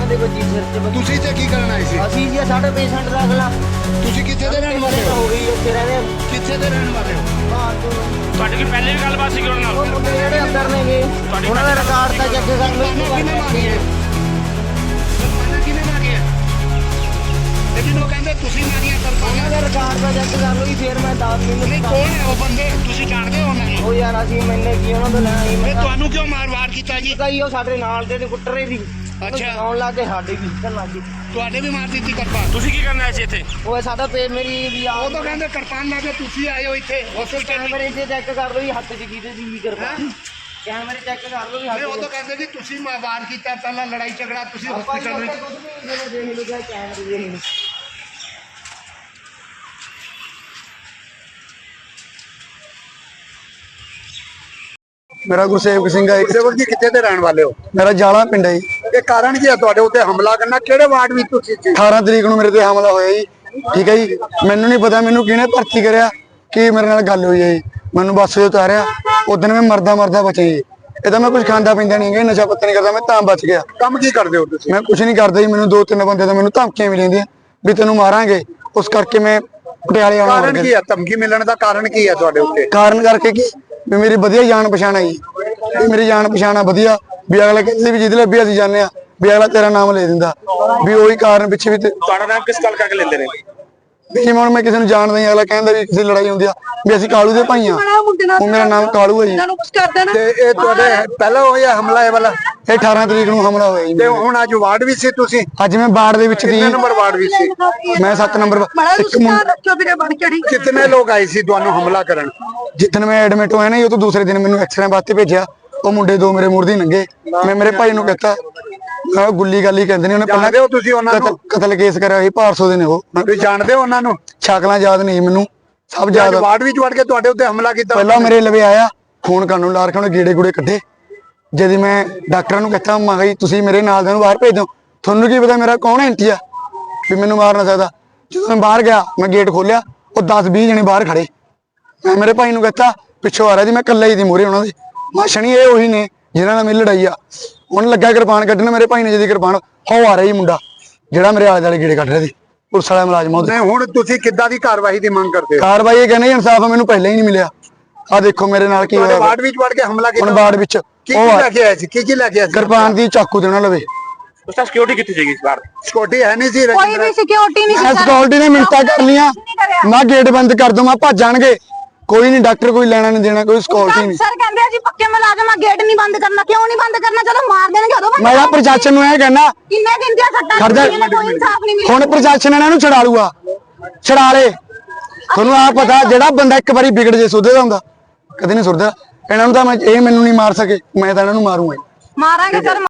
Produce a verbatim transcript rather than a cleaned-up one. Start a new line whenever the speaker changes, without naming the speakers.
ਦੇ ਵੱਜੀ ਸਿਰ ਤੇ ਵੱਜੀ।
ਤੁਸੀਂ ਤੇ ਕੀ ਕਰਨ ਆਏ ਸੀ?
ਅਸੀਂ ਜੀ ਸਾਡੇ ਪੇਸ਼ੈਂਟ ਰੱਖ ਲਾ।
ਤੁਸੀਂ ਕਿੱਥੇ ਦੇ ਰਹਿਣ ਵਾਲੇ ਹੋ?
ਹੋ ਗਈ ਉੱਥੇ ਰਹਿੰਦੇ
ਕਿੱਥੇ ਦੇ ਰਹਿਣ ਵਾਲੇ ਹੋ?
ਹਾਂ ਤੂੰ
ਤੁਹਾਡੀ ਕੀ ਪਹਿਲੇ ਵੀ ਗੱਲਬਾਤ ਸੀ ਉਹਨਾਂ
ਉਹ
ਨਾਲ?
ਮੁੰਡੇ ਜਿਹੜੇ ਅੰਦਰ ਨੇਗੇ ਉਹਨਾਂ ਦਾ ਰਿਕਾਰਡ ਤਾਂ ਚੈੱਕ ਕਰ ਲਓ।
ਕਿਹਨੇ ਮਾਰੀ ਹੈ? ਸਰਪੰਚ ਕਿਹਨੇ ਮਾਰੀ ਹੈ? ਲੇਕਿਨ ਉਹ ਕਹਿੰਦੇ ਤੁਸੀਂ ਮਾਰੀਆਂ
ਉਹਨਾਂ ਦਾ
ਸਰਪੰਚ।
ਰਿਕਾਰਡ ਤਾਂ ਚੈੱਕ ਕਰ ਲਓ ਜੀ, ਫਿਰ ਮੈਂ ਦੱਸ
ਨਹੀਂ
ਮੈਨੂੰ
ਕੌਣ ਹੈ ਉਹ ਬੰਦੇ? ਤੁਸੀਂ ਜਾਣਦੇ ਹੋ ਉਹਨਾਂ ਨੂੰ?
ਉਹ ਯਾਰ ਅਸੀਂ ਮੈਨੇ ਕੀ ਉਹਨਾਂ ਤੋਂ ਲੈਣਾ ਸੀ।
ਤੇ
ਮੈਂ
ਤੁਹਾਨੂੰ ਕਿਉਂ ਮਾਰ ਵਾਰ ਕੀਤਾ ਜੀ?
ਕਈ ਉਹ ਸਾਡੇ ਨਾਲ ਦੇ ਤੇ ਕੁੱਟਰੇ ਵੀ
ਅੱਛਾ।
ਆਉਣ ਲੱਗ ਕੇ ਸਾਡੇ ਵੀ ਕਰਨ ਲੱਗ ਗਏ।
ਤੁਹਾਡੇ ਵੀ ਮਾਰ ਦਿੱਤੀ ਕਿਰਪਾਨ?
ਤੁਸੀਂ ਕੀ ਕਰਨ ਆਏ ਸੀ ਇੱਥੇ?
ਉਹ ਸਾਡਾ ਪੇ ਮੇਰੀ ਵੀ ਆ
ਉਹ ਤਾਂ ਕਹਿੰਦੇ ਕਿਰਪਾਨ ਲਾ ਕੇ ਤੁਸੀਂ ਆਏ ਹੋ ਇੱਥੇ ਹਸਪੀਟਲ।
ਕੈਮਰੇ 'ਚ ਚੈੱਕ ਕਰ ਲਓ ਜੀ, ਹੱਥ 'ਚ ਕਿਹਦੇ ਦੀ ਵੀ ਕਿਰਪਾਨ। ਕੈਮਰੇ ਚੈੱਕ ਕਰ ਲਓ ਜੀ ਹੱਥ
ਨਹੀਂ ਉਹ ਤਾਂ
'ਚ।
ਕਹਿੰਦੇ ਜੀ ਤੁਸੀਂ ਮਾ- ਵਾਰ ਕੀਤਾ ਪਹਿਲਾਂ ਲੜਾਈ ਝਗੜਾ ਤੁਸੀਂ
ਆਪਾਂ
ਹਸਪੀਟਲ ਵਿੱਚ।
ਕੁਝ ਵੀ ਨਹੀਂ ਦੇਖ ਲਓ ਕੈਮਰੇ ਦੇ ਨਹੀਂ।
ਮੇਰਾ ਗੁਰਸੇਵਕ ਸਿੰਘ ਹੈ।
ਸੇਵਕ ਜੀ ਕਿੱਥੇ ਦੇ ਰਹਿਣ ਵਾਲੇ ਹੋ?
ਮੇਰਾ ਜਾਲਾ ਪਿੰਡ ਹੈ ਜੀ।
ਇਹ ਕਾਰਨ ਕੀ ਹੈ ਤੁਹਾਡੇ ਉੱਤੇ ਹਮਲਾ ਕਰਨਾ? ਕਿਹੜੇ ਵਾਰਡ ਵਿੱਚ ਤੁਸੀਂ ਸੀ?
ਅਠਾਰਾਂ ਤਰੀਕ ਨੂੰ ਮੇਰੇ ਤੇ ਹਮਲਾ ਹੋਇਆ ਜੀ। ਠੀਕ ਹੈ ਜੀ, ਮੈਨੂੰ ਨਹੀਂ ਪਤਾ ਮੈਨੂੰ ਕਿਹਨੇ ਭਰਤੀ ਕਰਿਆ, ਕੀ ਮੇਰੇ ਨਾਲ ਗੱਲ ਹੋਈ ਹੈ ਜੀ। ਮੈਨੂੰ ਬੱਸ ਤੋਂ ਉਤਾਰਿਆ, ਉਦੋਂ ਮੈਂ ਮਰਦਾ ਮਰਦਾ ਬਚਿਆ ਜੀ। ਇਹ ਤਾਂ ਮੈਂ ਕੁਝ ਖਾਂਦਾ ਪੀਂਦਾ ਨਹੀਂ, ਨਸ਼ਾ ਪੱਤਾ ਨਹੀਂ ਕਰਦਾ, ਮੈਂ ਤਾਂ ਬਚ ਗਿਆ।
ਕੰਮ ਕੀ ਕਰਦੇ ਹੋ ਤੁਸੀਂ?
ਮੈਂ ਕੁਝ ਨਹੀਂ ਕਰਦਾ ਜੀ। ਮੈਨੂੰ ਦੋ ਤਿੰਨ ਬੰਦੇ ਤਾਂ ਮੈਨੂੰ ਧਮਕੀਆਂ ਵੀ ਲੈਂਦੀਆਂ ਵੀ ਤੈਨੂੰ ਮਾਰਾਂਗੇ, ਉਸ ਕਰਕੇ ਮੈਂ ਪਟਿਆਲੇ ਆਉਣਾ
ਕਾਰਨ ਕੀ ਹੈ? ਧਮਕੀ ਮਿਲਣ ਦਾ ਕਾਰਨ ਕੀ ਹੈ ਤੁਹਾਡੇ ਉੱਤੇ?
ਕਾਰਨ ਕਰਕੇ ਕੀ ਵੀ ਮੇਰੀ ਵਧੀਆ ਜਾਣ ਪਛਾਣ ਹੈ ਜੀ। ਵੀ ਮੇਰੀ ਜਾਣ ਪਛਾਣ ਆ ਵਧੀਆ, ਵੀ ਅਗਲਾ ਕਹਿੰਦੇ ਵੀ ਜਿਹਦੇ ਲੱਭੀ ਅਸੀਂ ਜਾਂਦੇ ਆ ਵੀ ਅਗਲਾ ਤੇਰਾ ਨਾਮ ਲੈ ਦਿੰਦਾ, ਵੀ ਉਹੀ ਕਾਰਨ ਪਿੱਛੇ ਵੀ।
ਤੁਹਾਡਾ ਨਾਮ ਕਿਸ ਗੱਲ ਕਰਕੇ ਲੈਂਦੇ ਨੇ?
ਵੀ ਜਿਵੇਂ ਹੁਣ ਮੈਂ ਕਿਸੇ ਨੂੰ ਜਾਣਦਾ ਹੀ, ਅਗਲਾ ਕਹਿੰਦਾ ਵੀ ਕਿਸੇ ਲੜਾਈ ਹੁੰਦੀ ਆ ਵੀ ਅਸੀਂ ਕਾਲੂ ਦੇ ਭਾਈ ਆ, ਉਹ ਮੇਰਾ ਨਾਮ ਕਾਲੂ ਹੈ ਜੀ।
ਤੇ ਇਹ ਤੁਹਾਡੇ ਪਹਿਲਾਂ ਹੋਇਆ ਹਮਲਾ ਇਹ ਵਾਲਾ?
ਇਹ ਅਠਾਰਾਂ ਤਰੀਕ ਨੂੰ ਹਮਲਾ ਹੋਇਆ ਜੀ।
ਤੇ ਹੁਣ ਅੱਜ ਵਾਰਡ ਵਿੱਚ ਸੀ ਤੁਸੀਂ?
ਅੱਜ ਮੈਂ ਬਾੜ ਦੇ ਵਿੱਚ ਦੀ,
ਕਿੰਨੇ ਨੰਬਰ ਵਾਰਡ ਵਿੱਚ ਸੀ?
ਮੈਂ ਸੱਤ ਨੰਬਰ ਇੱਕ
ਕਿਤਨੇ ਲੋਕ ਆਏ ਸੀ ਤੁਹਾਨੂੰ ਹਮਲਾ ਕਰਨ?
ਜਿੱਦਣ ਮੈਂ ਐਡਮਿਟ ਹੋਇਆ ਨਾ ਜੀ, ਉਹ ਤੋਂ ਦੂਸਰੇ ਦਿਨ ਮੈਨੂੰ ਐਕਸਰੇ ਵਾਸਤੇ ਭੇਜਿਆ। ਉਹ ਮੁੰਡੇ ਦੋ ਮੇਰੇ ਮੂਹਰੇ ਲੰਘੇ, ਮੈਂ ਮੇਰੇ ਭਾਈ ਨੂੰ ਕਹਤਾ ਮੈਂ ਗੁੱਲੀ ਗਾਲੀ ਕਹਿੰਦੇ ਨੇ, ਉਹਨੇ
ਜਾਣਦੇ ਹੋ ਤੁਸੀਂ ਉਹਨਾਂ ਨੂੰ?
ਕਤਲ ਕੇਸ ਕਰਿਆ ਸੀ ਭਾਰਸੋ ਦੇ ਨੇ ਉਹ।
ਤੁਸੀਂ ਜਾਣਦੇ ਹੋ ਉਹਨਾਂ ਨੂੰ?
ਸ਼ਕਲਾਂ ਯਾਦ ਨਹੀਂ ਮੈਨੂੰ, ਸਭ
ਅੱਜ
ਯਾਦ।
ਵਾਰਡ ਵਿੱਚ ਵੜ ਕੇ ਤੁਹਾਡੇ ਉੱਤੇ ਹਮਲਾ ਕੀਤਾ?
ਪਹਿਲਾਂ ਮੇਰੇ ਲਵੇ ਆਇਆ, ਫੋਨ ਕਰਨ ਨੂੰ ਲਾ ਰੱਖਿਆ, ਉਹਨੇ ਗੇੜੇ ਗੂੜੇ ਕੱਢੇ। ਜਦ ਮੈਂ ਡਾਕਟਰਾਂ ਨੂੰ ਕਹਤਾ ਮੈਂ ਕਿਹਾ ਜੀ ਤੁਸੀਂ ਮੇਰੇ ਨਾਲ ਦੇ ਨੂੰ ਬਾਹਰ ਭੇਜ ਦਿਓ, ਤੁਹਾਨੂੰ ਕੀ ਪਤਾ ਮੇਰਾ ਕੌਣ ਐਂਟੀ ਆ ਵੀ ਮੈਨੂੰ ਮਾਰ ਨਾ ਸਕਦਾ। ਜਦੋਂ ਮੈਂ ਬਾਹਰ ਗਿਆ, ਮੈਂ ਗੇਟ ਖੋਲਿਆ, ਉਹ ਦਸ ਵੀਹ ਜਣੇ ਬਾਹਰ ਖੜੇ। ਮੈਂ ਮੇਰੇ ਭਾਈ ਨੂੰ ਕਹਤਾ ਪਿੱਛੋਂ ਆ ਰਿਹਾ ਜੀ, ਮੈਂ ਇਕੱਲਾ ਹੀ ਸੀ ਮੂਹਰੇ ਉਹਨਾਂ ਦੇ। ਮਾਸ਼ਣੀ ਇਹ ਉਹੀ ਨੇ ਜਿਹਨਾਂ ਨਾਲ ਮੇਰੀ ਲੜਾਈ ਆ। ਉਹਨੇ ਲੱਗਾ ਕਿਰਪਾਨ ਕੱਢਣ, ਮੇਰੇ ਭਾਈ ਨੇ ਜਦੀ ਕਿਰਪਾਨ ਹੋ ਆ ਰਹੀ ਮੁੰਡਾ ਜਿਹੜਾ ਮੇਰੇ ਆਲੇ ਦੁਆਲੇ ਗੇੜੇ ਕੱਢ ਰਿਹਾ ਸੀ, ਪੁਲਿਸ ਵਾਲਾ ਮੁਲਾਜ਼ਮ ਉਹਦੇ।
ਨਹੀਂ ਹੁਣ ਤੁਸੀਂ ਕਿੱਦਾਂ ਦੀ ਕਾਰਵਾਈ ਦੀ ਮੰਗ ਕਰਦੇ ਹੋ?
ਕਾਰਵਾਈ ਇਹ ਕਹਿੰਦੇ ਇਨਸਾਫ ਮੈਨੂੰ ਪਹਿਲਾਂ ਹੀ ਨਹੀਂ ਮਿਲਿਆ। ਆ ਦੇਖੋ ਮੇਰੇ ਨਾਲ ਕੀ
ਤੁਹਾਡੇ
ਹੋਇਆ
ਵਾਰਡ ਵਿੱਚ ਵੜ ਕੇ ਹਮਲਾ ਕੀਤਾ?
ਹੁਣ ਬਾੜ ਵਿੱਚ
ਕੀ
ਉਹ
ਕੀ
ਆ,
ਲੈ ਕੇ ਆਏ ਸੀ? ਕੀ ਕੀ ਲੈ ਕੇ ਆਏ ਸੀ?
ਕਿਰਪਾਨ ਦੀ ਚਾਕੂ ਦੇਣਾ ਲਵੇ।
ਉਸ ਦਾ ਸਿਕਿਉਰਿਟੀ ਕਿੱਥੇ ਸੀਗੀ ਇਸ ਵਾਰ?
ਸਕਿਉਰਟੀ ਹੈ ਨਹੀਂ ਸੀ?
ਕੋਈ ਵੀ ਸਿਕਿਉਰਿਟੀ ਨਹੀਂ
ਮੈਂ ਸਕਿਉਰਟੀ ਨੇ ਮਿੰਟਾਂ ਕਰ ਲੀਆਂ, ਮੈਂ ਗੇਟ ਬੰਦ ਕਰ ਦੂੰ, ਮੈਂ ਭੱਜ ਜਾਣਗੇ। ਕੋਈ ਨਹੀਂ ਡਾਕਟਰ, ਕੋਈ ਲੈਣਾ ਨਹੀਂ ਦੇਣਾ, ਕੋਈ ਸਕਿਉਰਟੀ ਨਹੀਂ।
ਸਰ ਕਹਿੰਦੇ ਆ ਜੀ ਪੱਕੇ ਮੁਲਾਜ਼ਮ ਆ, ਗੇਟ ਨਹੀਂ ਬੰਦ ਕਰਨਾ। ਕਿਉਂ ਨਹੀਂ ਬੰਦ ਕਰਨਾ? ਜਦੋਂ ਮਾਰ ਦੇਣਗੇ ਉਦੋਂ ਬੰਦ
ਮੈਂ ਤਾਂ ਪ੍ਰਸ਼ਾਸਨ ਨੂੰ ਇਹ ਕਹਿਣਾ
ਕਿੰਨੇ ਦਿਨ ਦੀਆਂ ਸੱਟਾਂ
ਖੜਦਾ,
ਲੱਗੀਆਂ ਨੇ, ਕੋਈ ਇਨਸਾਫ ਨਹੀਂ ਮਿਲਿਆ।
ਹੁਣ ਪ੍ਰਸ਼ਾਸਨ ਇਹਨਾਂ ਨੂੰ ਛਡਾ ਲੂਗਾ, ਛਡਾ ਲੇ। ਤੁਹਾਨੂੰ ਆ ਪਤਾ ਜਿਹੜਾ ਬੰਦਾ ਇੱਕ ਵਾਰੀ ਵਿਗੜ ਜੇ ਸੁਧਰਦਾ ਹੁੰਦਾ, ਕਦੇ ਨਹੀਂ ਸੁਧਰਦਾ। ਇਹਨਾਂ ਨੂੰ ਤਾਂ ਮੈਂ ਇਹ ਮੈਨੂੰ ਨਹੀਂ ਮਾਰ ਸਕੇ, ਮੈਂ ਤਾਂ ਇਹਨਾਂ ਨੂੰ ਮਾਰੂੰਗਾ।
ਮਾਰਾਂਗੇ ਸਰ।